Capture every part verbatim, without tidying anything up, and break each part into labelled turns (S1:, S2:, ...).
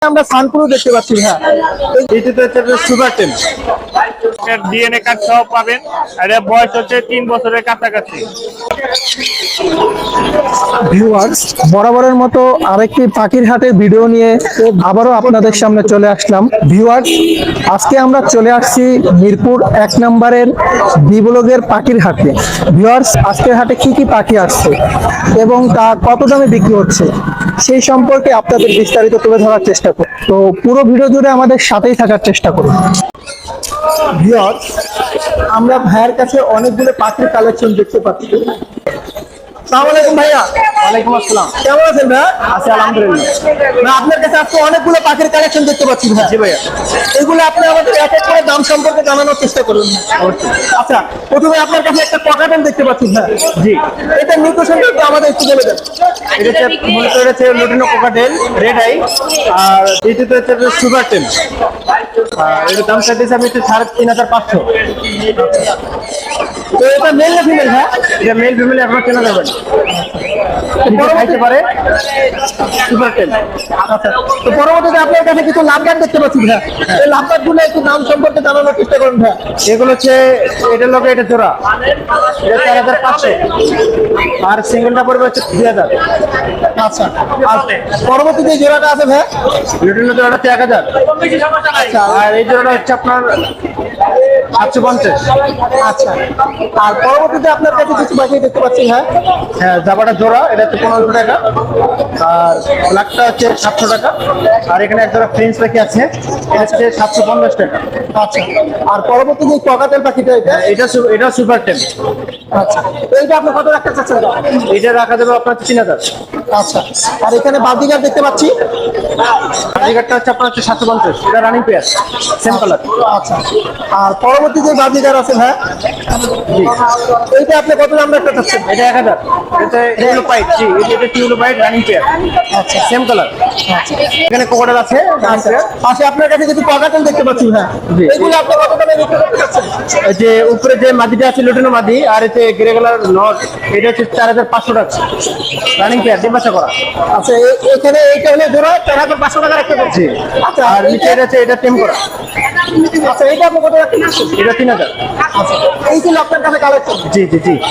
S1: আমরা সানপুরও দেখতে পাচ্ছি। হ্যাঁ,
S2: এইটাতে হচ্ছে সুপার টেন ডিএনএ কার্ড সহ পাবেন। আর এর বয়স হচ্ছে তিন বছরের কাছাকাছি।
S1: ভিউয়ার্স, বরাবরের মতো আরেকটি পাখির হাটের ভিডিও নিয়ে আবারও আপনাদের সামনে চলে আসলাম। ভিউয়ার্স, আজকে আমরা চলে আসছি মিরপুর এক নম্বরের বিবলগের পাখির হাটে। ভিউয়ার্স, আজকের হাটে কি কি পাখি আসছে এবং তা কত দামে বিক্রি হচ্ছে সেই সম্পর্কে আপনাদের বিস্তারিত তুলে ধরার চেষ্টা করব। তো পুরো ভিডিও জুড়ে আমাদের সাথেই থাকার চেষ্টা করুন। ভিউয়ার্স, আমরা ভাইয়ের কাছে অনেকগুলো পাখির কালেকশন দেখতে পাচ্ছি। আসসালামু আলাইকুম ভাইয়া।
S2: ওয়ালাইকুম আসসালাম।
S1: কেমন আছেন ভাইয়া?
S2: আছি আলহামদুলিল্লাহ।
S1: না, আপনার কাছে আজকে অনেকগুলো পাখির কালেকশন দেখতে পাচ্ছি ভাইয়া।
S2: জি ভাইয়া।
S1: এগুলো আপনি আমাদের এক এক করে দাম সম্পর্কে জানানোর চেষ্টা করুন। আচ্ছা, প্রথমে আপনার কাছে একটা ককাটেল দেখতে পাচ্ছি ভাইয়া।
S2: জি,
S1: এটা নিউট্রিশন একটু আমাদের একটু বলে দেন।
S2: এটা হচ্ছে মূলত হচ্ছে লুটিনো কোকাটেল রেড আই। আর এইটাতে হচ্ছে সুপার টেন। আর এর দাম চাইতেছে আমি হচ্ছে সাড়ে তিন হাজার পাঁচশো।
S1: তো এটা মেল না ফিমেল? হ্যাঁ,
S2: এটা মেল ফিমেল আপনার চেনা যাবেন। খাইতে পারে সুপার টেন।
S1: আচ্ছা, তো পরবর্তীতে আপনার কাছে কিছু লাভবান দেখতে পাচ্ছি ভাইয়া। এই লাভবান গুলো একটু দাম সম্পর্কে জানানোর চেষ্টা করুন ভাইয়া।
S2: এগুলো হচ্ছে এটার লোকে এটা জোড়া, এটা চার হাজার পাঁচশো। আর সিঙ্গেলটা পড়বে হচ্ছে দুই হাজার।
S1: আচ্ছা, আর পরবর্তী যে জোড়াটা আছে ভাইয়া,
S2: লুটিনো জোড়াটা হচ্ছে এক হাজার।
S1: আচ্ছা,
S2: আর এই জোড়াটা হচ্ছে আপনার সাতশো পঞ্চাশ।
S1: আচ্ছা, আর পরবর্তীতে আপনার কাছে কিছু পাখি দেখতে পাচ্ছি। হ্যাঁ,
S2: হ্যাঁ, জাবাটা জোড়া এটা হচ্ছে পনেরোশো টাকা। আর ব্ল্যাকটা হচ্ছে সাতশো টাকা। আর এখানে এক জোড়া ফ্রেঞ্চ পাখি আছে, এটা হচ্ছে সাতশো পঞ্চাশ টাকা।
S1: আচ্ছা, আর পরবর্তী যে ককাটেল পাখিটা এটা,
S2: এটা সু- এটা সুপার টেন।
S1: আচ্ছা, তো এইটা আপনি কত রাখতে চাচ্ছেন?
S2: এটা রাখা যাবে আপনার তিন হাজার।
S1: আচ্ছা, আর এখানে বাদিগার দেখতে পাচ্ছি।
S2: বাজিঘাটটা হচ্ছে আপনার হচ্ছে সাতশো পঞ্চাশ। এটা রানিং পেয়ার, সেম কালার।
S1: আচ্ছা, আর পরবর্তী যে বাদিগার আছে ভাইয়া,
S2: জি,
S1: এইটা আপনি কত দাম রাখতে চাচ্ছেন?
S2: এটা এক হাজার। এটা টিউলো পাইট। জি, এটা এটা টিউলো পাইট রানিং পেয়ার,
S1: আচ্ছা,
S2: সেম কালার। এখানে কোকোডাল আছে running
S1: আচ্ছা,
S2: pair।
S1: পাশে আপনার কাছে কিছু ককাটেল দেখতে পাচ্ছি। হ্যাঁ,
S2: জি।
S1: এগুলো আপনি কত দামে বিক্রি করতে চাচ্ছেন?
S2: এই যে উপরে যে মাদিটা আছে লুটিনো মাদি, আর এতে গ্রে কালার নট, এটা হচ্ছে চার হাজার পাঁচশো টাকা রানিং পেয়ার, ডিম বাচ্চা করা।
S1: আচ্ছা, এ- এখানে এইটা হলে ধরো চার হাজার পাঁচশো টাকা রাখতে পারছি। আচ্ছা,
S2: আর নিচে এটা আছে এটা টেম করা,
S1: আচ্ছা, এইটা আপনি কত রাখতে চাচ্ছেন?
S2: এটা তিন হাজার।
S1: আচ্ছা, এই ছিল আপনার কাছে কালেকশন।
S2: জি জি জি।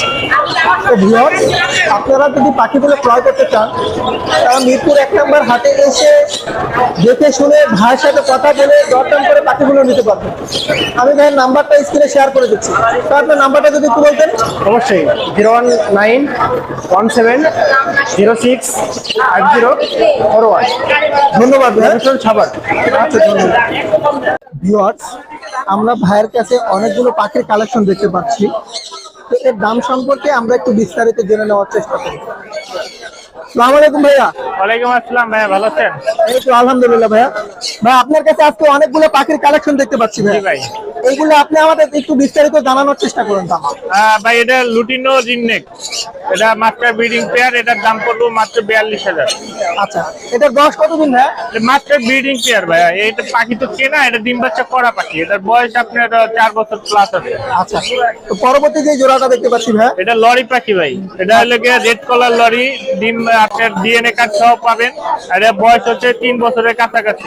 S1: তো ভিউয়ার্স, আপনারা যদি পাখিগুলো ক্রয় করতে চান তারা মিরপুর এক নম্বর হাটে এসে দেখে শুনে ভাইয়ের সাথে কথা বলে দরদাম করে পাখিগুলো নিতে পারবেন। আমি ভাইয়ের নাম্বারটা স্ক্রিনে শেয়ার করে দিচ্ছি, তো আপনার নাম্বারটা যদি একটু বলতেন।
S2: অবশ্যই zero one nine one seven zero six five zero four one.
S1: ধন্যবাদ ভাই।
S2: ছাবার।
S1: আচ্ছা, ধন্যবাদ। ভিউয়ার্স, আমরা ভাইয়ের কাছে অনেকগুলো পাখির কালেকশন দেখতে পাচ্ছি, তো এর দাম সম্পর্কে আমরা একটু বিস্তারিত জেনে নেওয়ার চেষ্টা করি। আসসালামু আলাইকুম ভাইয়া।
S2: ওয়ালাইকুম আসসালাম ভাইয়া, ভালো আছেন?
S1: এই তো আলহামদুলিল্লাহ ভাইয়া। ভাই, আপনার কাছে আজকে অনেকগুলো পাখির কালেকশন দেখতে পাচ্ছি
S2: জি
S1: ভাই।
S2: ভাই।
S1: এইগুলো আপনি আমাদের একটু বিস্তারিত জানানোর চেষ্টা করুন। দাম
S2: আহ, ভাই এটা লুটিনো রিংনেক, এটা মাত্র ব্রিডিং পেয়ার, এটার দাম পড়লো মাত্র বিয়াল্লিশ হাজার।
S1: আচ্ছা, এটার বয়স কতদিন ভাইয়া?
S2: মাত্র ব্রিডিং পেয়ার ভাইয়া, এটা পাখি তো কেনা, এটা ডিম বাচ্চা করা পাখি, এটার বয়স আপনার আহ, চার বছর প্লাস আছে।
S1: আচ্ছা, তো পরবর্তী যে জোড়াটা দেখতে পাচ্ছি ভাইয়া,
S2: এটা লরি পাখি ভাই, এটা হলো গিয়ে রেড কলার লরি, ডিম আপনার ডিএনএ কার্ড সহ পাবেন। আর এর বয়স হচ্ছে তিন বছরের কাছাকাছি,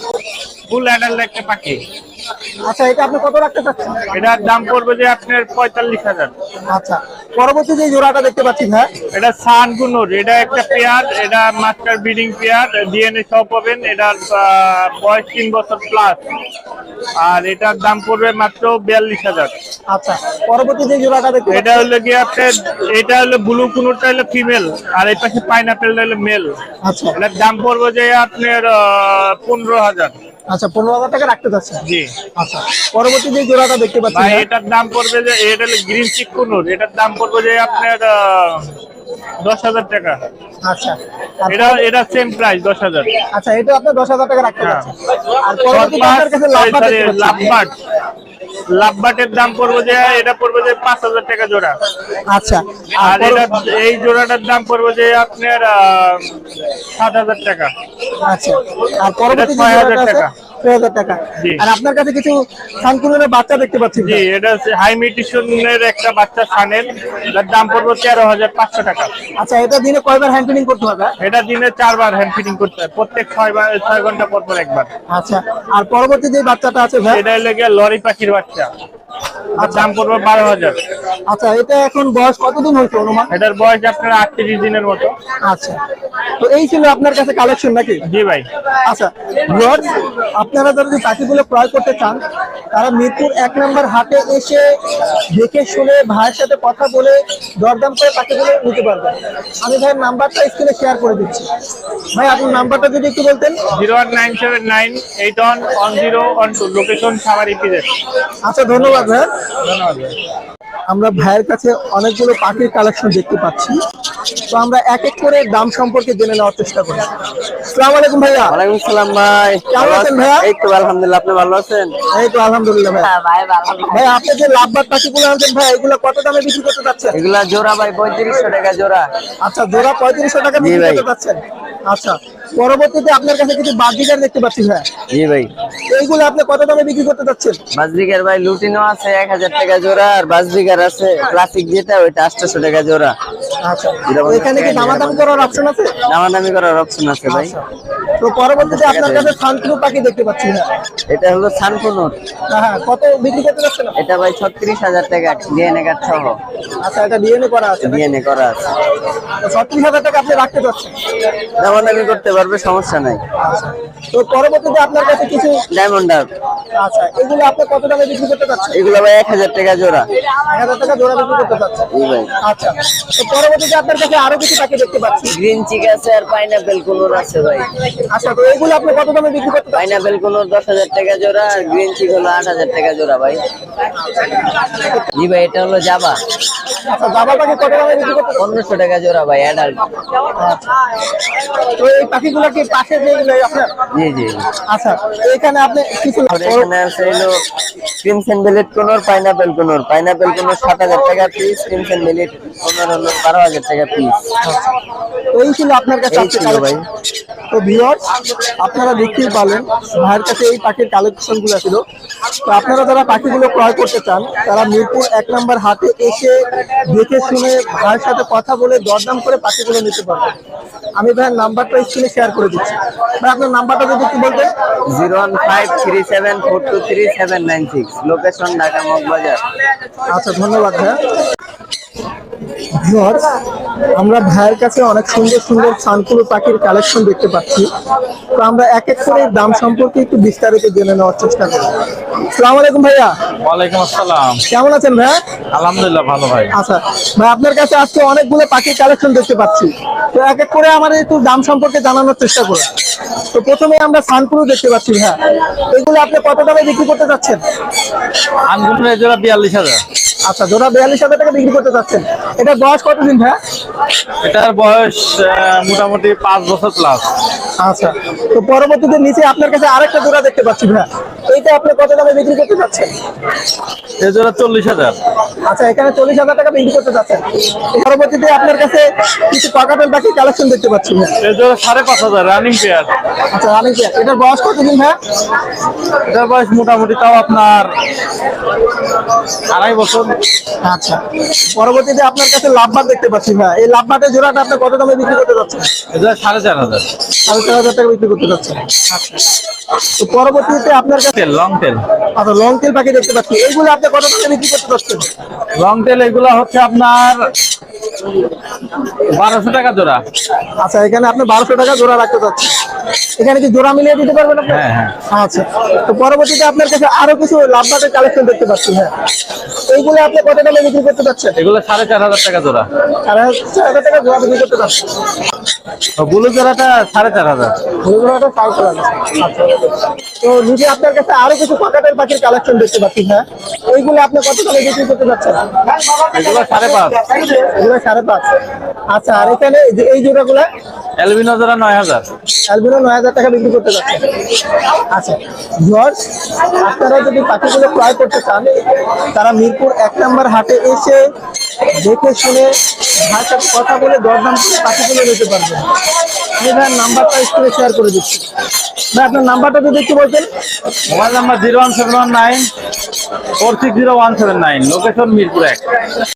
S2: ফুল অ্যাডাল্ট একটা পাখি।
S1: আচ্ছা, এটা আপনি কত রাখতে চাচ্ছেন?
S2: এটার দাম পড়বে যে আপনার পঁয়তাল্লিশ হাজার।
S1: আচ্ছা, পরবর্তী যে জোড়াটা দেখতে পাচ্ছি ভাইয়া,
S2: এটা সানগুনোর, এটা একটা পেয়ার, এটা মাস্টার ব্রিডিং পেয়ার, ডিএনএ সহ পাবেন। এটার আহ, বয়স তিন বছর প্লাস, আর এটার দাম পড়বে মাত্র বিয়াল্লিশ হাজার।
S1: আচ্ছা, পরবর্তী যে জোড়াটা দেখতে
S2: এটা হলো গিয়ে আপনার, এটা হলো ব্লু কুনুরটা হলো ফিমেল, আর এই পাশে পাইনাপেলটা হলো মেল।
S1: আচ্ছা,
S2: এটার দাম পড়বে যে আপনার পনেরো হাজার।
S1: আচ্ছা, পনেরো হাজার টাকা রাখতে চাচ্ছেন।
S2: জি
S1: আচ্ছা, পরবর্তী যে জোড়াটা দেখতে পাচ্ছি
S2: ভাই,
S1: ভাইয়া,
S2: এটার দাম পড়বে যে, এটা হলো গ্রিন চিক কুনুর, এটার দাম পড়বে যে আপনার আহ, দশ হাজার টাকা।
S1: আচ্ছা, আর
S2: এটা এটা সেম প্রাইস, দশ হাজার।
S1: আচ্ছা, এটা আপনি দশ হাজার টাকা রাখতে
S2: হ্যাঁ।
S1: চাচ্ছেন। আর পরবর্তীতে আপনার কাছে লাভবান দেখতে পাচ্ছি।
S2: লাভবাট, লাভবাটের দাম পড়বে যে, এটা পড়বে যে পাঁচ হাজার টাকা জোড়া।
S1: আচ্ছা,
S2: আর
S1: আর
S2: এটা
S1: পর-
S2: এই জোড়াটার দাম পড়বে যে আপনার আহ, সাত হাজার টাকা।
S1: আচ্ছা, আর
S2: এটা
S1: পরবর্তী যে
S2: ছয় হাজার
S1: জোড়াটা আছে,
S2: টাকা।
S1: ছয় হাজার টাকা।
S2: জি।
S1: আর আপনার কাছে কিছু সানকুনের বাচ্চা দেখতে পাচ্ছি।
S2: জি, এটা হচ্ছে হাই মিউটেশনের একটা বাচ্চা সানের, যার দাম পড়বে তেরো হাজার পাঁচশো টাকা।
S1: আচ্ছা, এটা দিনে কয়বার হ্যান্ড ফিডিং করতে হবে?
S2: এটা দিনে চারবার হ্যান্ড ফিডিং করতে হয়, প্রত্যেক ছয় বার ছয় ঘন্টা পর পর একবার।
S1: আচ্ছা, আর পরবর্তী যে বাচ্চাটা আছে ভাই?
S2: এটা লেগে লরি পাখির বাচ্চা, আর দাম পড়বে বারো হাজার।
S1: আচ্ছা, এটা এখন বয়স কতদিন হয়েছে অনুমান?
S2: এটার বয়স আপনার আটত্রিশ দিনের মতো।
S1: আচ্ছা, তো এই ছিল আপনার কাছে কালেকশন নাকি?
S2: জি ভাই।
S1: আচ্ছা ভিউয়ার্স, আপনারা যারা যদি পাখিগুলো ক্রয় করতে চান তারা মিরপুর এক নম্বর হাটে এসে দেখে শুনে ভাইয়ের সাথে কথা বলে দরদাম করে পাখিগুলো নিতে পারবেন। আমি ভাইয়ের নাম্বারটা স্ক্রিনে শেয়ার করে দিচ্ছি। ভাই আপনার নাম্বারটা যদি একটু বলতেন।
S2: Zero one nine seven nine eight one one zero one two, location Savar EPZ.
S1: আচ্ছা, ধন্যবাদ ভাই।
S2: ধন্যবাদ ভাই।
S1: আমরা ভাইয়ের কাছে অনেকগুলো পাখির কালেকশন দেখতে পাচ্ছি, তো আমরা এক এক করে দাম সম্পর্কে জেনে নেওয়ার চেষ্টা করি। আসসালামু আলাইকুম ভাইয়া।
S3: ওয়ালাইকুম সালাম ভাই।
S1: কেমন আছেন ভাইয়া?
S3: এই তো আলহামদুলিল্লাহ, আপনি ভালো আছেন?
S1: এই তো আলহামদুলিল্লাহ ভাই। ভাই আপনি যে লাভবাদ পাখিগুলো আনছেন ভাই, এগুলো কত দামে বিক্রি করতে যাচ্ছেন?
S3: এগুলা জোড়া ভাই পঁয়ত্রিশশো টাকা জোড়া।
S1: আচ্ছা, জোড়া পঁয়ত্রিশশো টাকা বিক্রি
S3: ভাই।
S1: করতে যাচ্ছেন। আচ্ছা, পরবর্তীতে আপনার কাছে কিছু বাজিকার দেখতে পাচ্ছি ভাই,
S3: জি ভাই।
S1: এইগুলো আপনি কত দামে বিক্রি করতে যাচ্ছেন?
S3: বাজরিকার ভাই লুটিনো আছে এক হাজার টাকা জোড়া, আর বাজরিকার আছে ক্লাসিক যেটা ওইটা আটশোশো টাকা জোড়া।
S1: আচ্ছা, তো এখানে কি দামাদামি করার অপশন আছে?
S3: দামাদামি করার অপশন আছে ভাই।
S1: তো পরবর্তীতে আপনার কাছে সানকুনু পাখি দেখতে পাচ্ছি না?
S3: এটা হলো সানকুনুর,
S1: হ্যাঁ, কত বিক্রি করতে যাচ্ছেন?
S3: এটা ভাই ছত্রিশ হাজার টাকা ডিএনএ কার্ড সহ।
S1: আচ্ছা, এটা ডিএনএ করা আছে,
S3: ডিএনএ করা আছে।
S1: ছত্রিশ হাজার টাকা আপনি রাখতে চাচ্ছেন?
S3: দামাদামি করতে পারবে, সমস্যা নাই।
S1: তো পরবর্তীতে আপনার কাছে কিছু,
S3: ডায়মন্ড ডাব,
S1: আচ্ছা, এগুলো আপনি কত দামে বিক্রি করতে চাচ্ছেন?
S3: এগুলো ভাই এক হাজার টাকা জোড়া।
S1: এক হাজার টাকা জোড়া বিক্রি করতে চাচ্ছেন?
S3: জি ভাই।
S1: আচ্ছা, তো পরবর্তীতে আপনার কাছে আরো কিছু পাখি দেখতে পাচ্ছি।
S3: গ্রিন চিক আছে আর পাইনাপেল কুনুর আছে ভাই।
S1: আচ্ছা, তো এগুলো আপনি কত দামে বিক্রি করতে চাচ্ছেন?
S3: পাইনাপেল কুনুর দশ হাজার টাকা জোড়া, আর গ্রিন চিক হলো আট হাজার টাকা জোড়া ভাই। জি ভাই, এটা হলো জাবা,
S1: আচ্ছা, জাবা পাখি কত দামে বিক্রি করতে চাচ্ছেন?
S3: পনেরোশো টাকা জোড়া ভাই অ্যাডাল্ট।
S1: তো এই পাখিগুলো কি পাশে যেগুলো আপনার?
S3: জি জি।
S1: আচ্ছা, এখানে আপনি কিছু,
S3: আর এখানে আছে হলো crimson bellied conure, pineapple conure. Pineapple conure সাত হাজার টাকা পিস, ক্রিমসন বেলেট কুনুর হলো বারো হাজার টাকা পিস।
S1: তো এই ছিল আপনার কাছে
S3: এই
S1: আজকে
S3: ছিল ভাই।
S1: কালেকশন। তো ভিউয়ার্স, আপনারা দেখতেই পারলেন ভাইয়ের কাছে এই পাখির কালেকশন গুলো ছিল। তো আপনারা যারা পাখিগুলো ক্রয় করতে চান তারা মিরপুর এক নম্বর হাটে এসে দেখে শুনে ভাইয়ের সাথে কথা বলে দরদাম করে পাখিগুলো নিতে পারবেন। আমি ভাইয়ের নাম্বারটা স্ক্রিনে শেয়ার করে দিচ্ছি। ভাই আপনার নাম্বারটা যদি একটু বলতেন।
S3: Zero one five three seven four two three seven nine six, location Dhaka Moghbazar.
S1: আচ্ছা, ধন্যবাদ ভাইয়া। ভিউয়ার্স, আমরা ভাইয়ের কাছে অনেক সুন্দর সুন্দর সানকুনো পাখির কালেকশন দেখতে পাচ্ছি, তো আমরা এক এক করে দাম সম্পর্কে একটু বিস্তারিত জেনে নেওয়ার চেষ্টা করি। আসসালামু আলাইকুম ভাইয়া।
S2: ওয়ালাইকুম আসসালাম।
S1: কেমন আছেন ভাইয়া?
S2: আলহামদুলিল্লাহ ভালো ভাই।
S1: আচ্ছা ভাই, আপনার কাছে আজকে অনেকগুলো পাখির কালেকশন দেখতে পাচ্ছি, তো এক এক করে আমাদের একটু দাম সম্পর্কে জানানোর চেষ্টা করুন। তো প্রথমে আমরা সানকুনো দেখতে পাচ্ছি ভাইয়া, এগুলো আপনি কত দামে বিক্রি করতে চাচ্ছেন?
S2: আনগুন জোড়া বিয়াল্লিশ হাজার।
S1: আচ্ছা, জোড়া বিয়াল্লিশ হাজার টাকা বিক্রি করতে চাচ্ছেন। এটা বয়স কতদিন ভাইয়া?
S2: এটার বয়স আহ, মোটামুটি পাঁচ বছর প্লাস।
S1: আচ্ছা, তো পরবর্তীতে নিচে আপনার কাছে আরেকটা জোড়া দেখতে পাচ্ছি ভাইয়া, এইটা আপনি কত দামে বিক্রি করতে চাচ্ছেন?
S2: এই জোড়া চল্লিশ হাজার।
S1: আচ্ছা, এখানে চল্লিশ হাজার টাকা বিক্রি করতে চাচ্ছেন। পরবর্তীতে আপনার কাছে কিছু কাকাটেল বাকি কালেকশন দেখতে পাচ্ছি ভাইয়া।
S2: এই জোড়া সাড়ে পাঁচ হাজার রানিং পেয়ার।
S1: আচ্ছা, আমি কি এটার বয়স কতদিন ভাইয়া?
S2: এটার বয়স মোটামুটি তাও আপনার আড়াই বছর।
S1: আচ্ছা, পরবর্তীতে আপনার কাছে লাভবাট দেখতে পাচ্ছি ভাইয়া, এই লাভবাটের জোড়াটা আপনি কত দামে বিক্রি করতে চাচ্ছেন?
S2: এই জোড়া সাড়ে চার হাজার।
S1: সাড়ে চার হাজার টাকা বিক্রি করতে চাচ্ছেন। আচ্ছা, তো পরবর্তীতে আপনার কাছে
S2: তেল লং তেল।
S1: আচ্ছা লং তেল পাখি দেখতে পাচ্ছি, এইগুলো আপনি কত দামে বিক্রি করতে চাচ্ছেন?
S2: লং তেল এগুলা হচ্ছে আপনার বারোশো টাকা জোড়া।
S1: আচ্ছা, এখানে আপনি বারোশো টাকা জোড়া রাখতে চাচ্ছেন। এখানে কি জোড়া মিলিয়ে দিতে পারবেন আপনি?
S2: হ্যাঁ, হ্যাঁ।
S1: আচ্ছা, তো পরবর্তীতে আপনার কাছে আরো কিছু লাভবাটের কালেকশন দেখতে পাচ্ছি। হ্যাঁ, এইগুলো আপনি কত দামে বিক্রি করতে চাচ্ছেন?
S2: এগুলো সাড়ে চার হাজার টাকা জোড়া।
S1: চার হাজার টাকা জোড়া বিক্রি করতে চাচ্ছেন।
S2: ব্লু জোড়াটা সাড়ে চার হাজার।
S1: জোড়াটা চার হাজার। আচ্ছা, তো নিচে আপনার কাছে আরো কিছু কাকাটেল পাখির কালেকশন দেখতে পাচ্ছি। হ্যাঁ, এইগুলো আপনি কত দামে বিক্রি করতে চাচ্ছেন?
S2: এগুলো সাড়ে পাঁচ।
S1: এগুলো সাড়ে পাঁচ। আচ্ছা, আর এখানে এই যে এই জোড়াগুলা
S4: অ্যালবিনো জোড়া নয় হাজার।
S1: অ্যালবিনো নয় হাজার টাকা বিক্রি করতে যাচ্ছে। আচ্ছা ভিউয়ার্স, আপনারা যদি পাখিগুলো ক্রয় করতে চান তারা মিরপুর এক নম্বর হাটে এসে দেখে শুনে ভাইয়ের সাথে কথা বলে দরদাম করে পাখিগুলো নিতে পারবেন। আমি ভাইয়ের নাম্বারটা স্ক্রিনে শেয়ার করে দিচ্ছি। ভাই আপনার নাম্বারটা যদি একটু বলতেন।
S4: Mobile number zero one seven one nine four six zero one seven nine, location Mirpur এক।